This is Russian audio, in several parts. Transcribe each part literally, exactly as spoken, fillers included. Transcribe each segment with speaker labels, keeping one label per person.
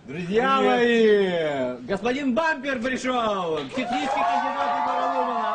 Speaker 1: Друзья мои, господин Бампер пришел! Технический кандидат Егора Лумана!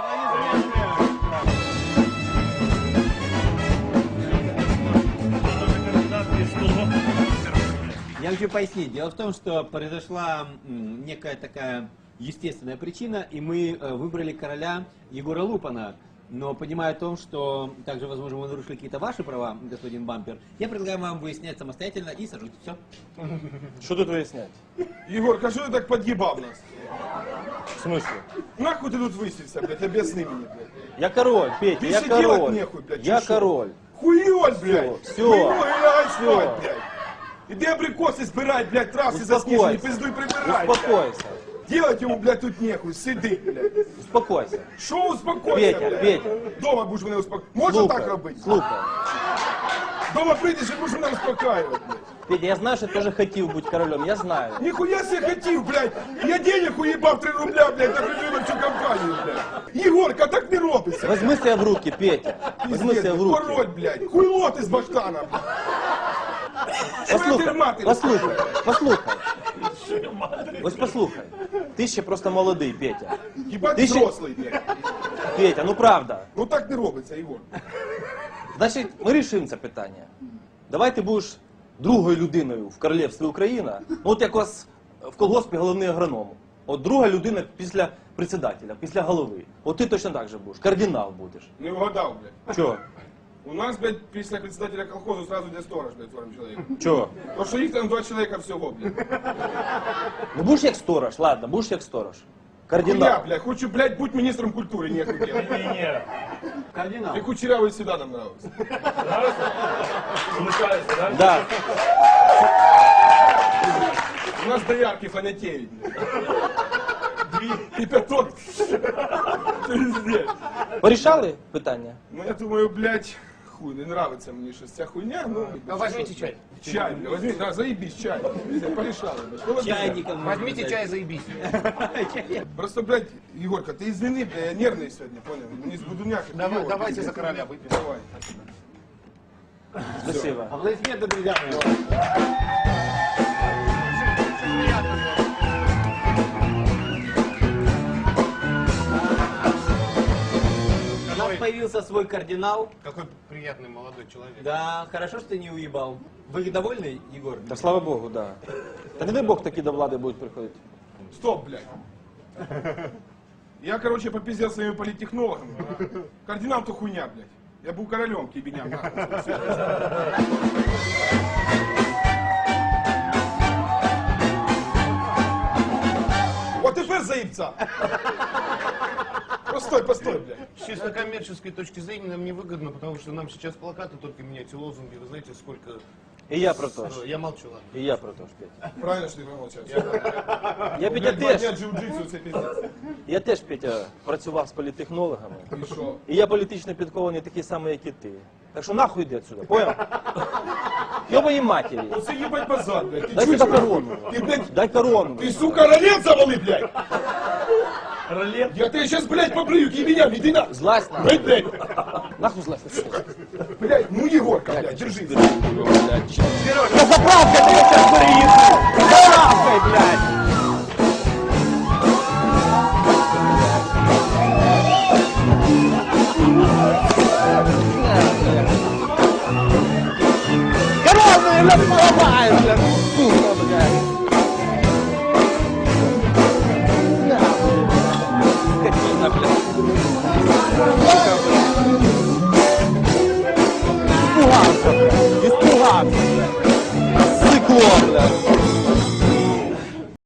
Speaker 1: Я хочу пояснить. Дело в том, что произошла м, некая такая естественная причина, и мы э, выбрали короля Егора Лупана. Но понимая о том, что также, возможно, мы нарушили какие-то ваши права, господин Бампер, я предлагаю вам выяснять самостоятельно и сажать. Все.
Speaker 2: Что тут выяснять?
Speaker 3: Егор, а что ты так подъебал нас?
Speaker 2: В смысле?
Speaker 3: Нахуй ты тут высился, блядь, объясни мне, блядь.
Speaker 2: Я король, Петя,
Speaker 3: Ты
Speaker 2: я
Speaker 3: же делать
Speaker 2: король.
Speaker 3: нехуй, блядь.
Speaker 2: Я
Speaker 3: ты шо?
Speaker 2: король.
Speaker 3: Хуёль, блядь.
Speaker 2: Всё.
Speaker 3: Хуёль, лягай
Speaker 2: Всё.
Speaker 3: спать, блядь. Иди абрикосы собирай, блядь, травки заснеженные, пиздуй прибирай, блядь.
Speaker 2: Успокойся.
Speaker 3: Делать ему, блядь, тут нехуй, сиди, блядь.
Speaker 2: Успокойся.
Speaker 3: Шо успокойся,
Speaker 2: Петя,
Speaker 3: блядь?
Speaker 2: Петя.
Speaker 3: Дома будешь мене успокоїти. Можна
Speaker 2: Слухай,
Speaker 3: так робити?
Speaker 2: Слухай.
Speaker 3: Дома прийдеш і будеш мене успокаювати, блядь.
Speaker 2: Петя, я знаю, что ты тоже хотел быть королем, я знаю.
Speaker 3: Ніхуя себе хотів, блядь. Я денег уїбав три рубля, блядь, на предвиборчу кампанію, блядь. Єгорка, так не робиться.
Speaker 2: Возьми себя в руки, Петя. Возьми себя в руки.
Speaker 3: Король, блядь. Хуйло ти з баштана, блядь.
Speaker 2: Послухай,
Speaker 3: мати?
Speaker 2: послухай, послухай. Ось послухай. Ти ще просто молодий, Петя.
Speaker 3: Хіба
Speaker 2: Ти
Speaker 3: ти
Speaker 2: ще-
Speaker 3: взрослий, блядь.
Speaker 2: Петя, ну правда.
Speaker 3: Ну так не робиться, Єгор.
Speaker 2: Значить, ми рішимо це питання. Давай ти будеш другою людиною в королівстві Україна. Ну от як у вас в колгоспі головний агроном. От друга людина після председателя, після голови. От ти точно так же будеш. Кардинал будеш.
Speaker 3: Не вгадав, блядь.
Speaker 2: Чого?
Speaker 3: У нас, блядь, після председателя колхозу сразу йде сторож, блядь, сорок чоловік.
Speaker 2: Чого?
Speaker 3: Тому що їх там два чоловіка всього, блядь.
Speaker 2: Ну будеш як сторож, ладно, будеш як сторож.
Speaker 3: Я,
Speaker 2: Кардинал.
Speaker 3: блядь, хочу, блядь, бути міністром культури, нехуй делать.
Speaker 1: Кардинал.
Speaker 3: И Кучерявый всегда нам нравился.
Speaker 2: Да.
Speaker 3: У нас доярки фанатеют. И пяток. Пиздец.
Speaker 2: Порішали питання?
Speaker 3: Ну я думаю, блядь, хуй, не нравится мне сейчас вся хуйня. Ну,
Speaker 4: Возьмите чай.
Speaker 3: чай, блядь, возьми, да, заебись, чай. Порешала, блядь. Что вы, блядь?
Speaker 1: Чайником.
Speaker 4: Возьмите чай, заебись.
Speaker 3: Просто, блядь, Егорка, ты извини, блядь, я нервный сегодня, понял? Не с будуняк.
Speaker 4: Давай, давайте за короля выпьем.
Speaker 3: Давай.
Speaker 2: Спасибо.
Speaker 1: Аплодисменты, друзья мои. У нас появился свой кардинал.
Speaker 4: Какой приятный молодой человек.
Speaker 1: Да, хорошо, что ты не уебал. Вы довольны, Егор?
Speaker 2: Та слава Богу, да. Та не дай Бог такі до влади будуть приходити.
Speaker 3: Стоп, блядь. Я, короче, попиздел своими политтехнологами. Кардинал-то хуйня, блядь. Я был королем, кибеням. Вот теперь заебца. Постой, постой, блядь.
Speaker 4: С чисто коммерческой точки зрения нам невыгодно, потому что нам сейчас плакаты только менять и лозунги. Вы знаете, сколько...
Speaker 2: І я про то ж.
Speaker 4: Я молчу, ладно.
Speaker 2: І я про то ж, Петя.
Speaker 3: Правильно, что ты промолчал.
Speaker 2: Я, Петя,
Speaker 3: Блядь, два дня
Speaker 2: теж,
Speaker 3: джиу-джитсу, це пиздец.
Speaker 2: я теж, Петя, працював з політтехнологами.
Speaker 3: І що?
Speaker 2: І я політично підкований такий самий, як і ти. Так що нахуй йди отсюда, понял? Йобані матері.
Speaker 3: Оце їбать базар, блядь. Ти
Speaker 2: Дай
Speaker 3: чуєш,
Speaker 2: сюди
Speaker 3: нахуй?
Speaker 2: корону.
Speaker 3: Ти, блядь,
Speaker 2: Дай корону.
Speaker 3: ты, сука, ролет завали, блядь. Ролет? Я тебе сейчас, блядь, побрию, кибеням, иди на.
Speaker 2: Злазь на.
Speaker 3: Блядь, блядь.
Speaker 2: Нахуй злазь.
Speaker 3: Блядь, ну Егорка, блядь, держи.
Speaker 2: Блядь, заправка,